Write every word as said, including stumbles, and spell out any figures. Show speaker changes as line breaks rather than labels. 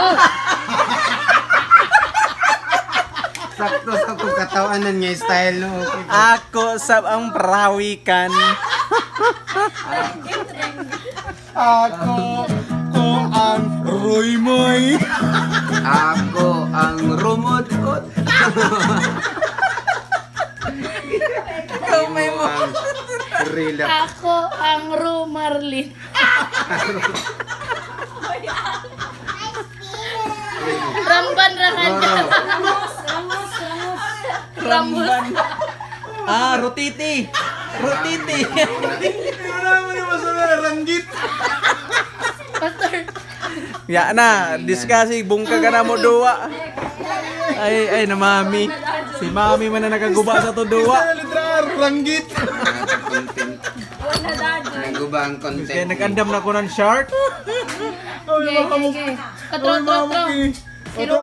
Sakto sa kong katawanan nga style no. Okay.
Ako sab ang perawikan.
Ako ko ang Roymoy.
Ako ang rumot-ot.
Kamay mo.
Relax.
Ako ang Rumarlin. Ramban ra kanya.
Roro.
Ramban. Ah, rotiti. Rotiti.
Wala mo ni masama ranggit.
Pastor.
Ya na, discussing bungka ka na mo duwa. Ay, ay na mami. Si mami man na nagaguba sa to duwa.
Literal ranggit.
Content. Naguba ang
Kaya
content.
nag-andam na ko ng shark.
Ay,
Okay, okay, okay. Katro, tro, tro.
Oto.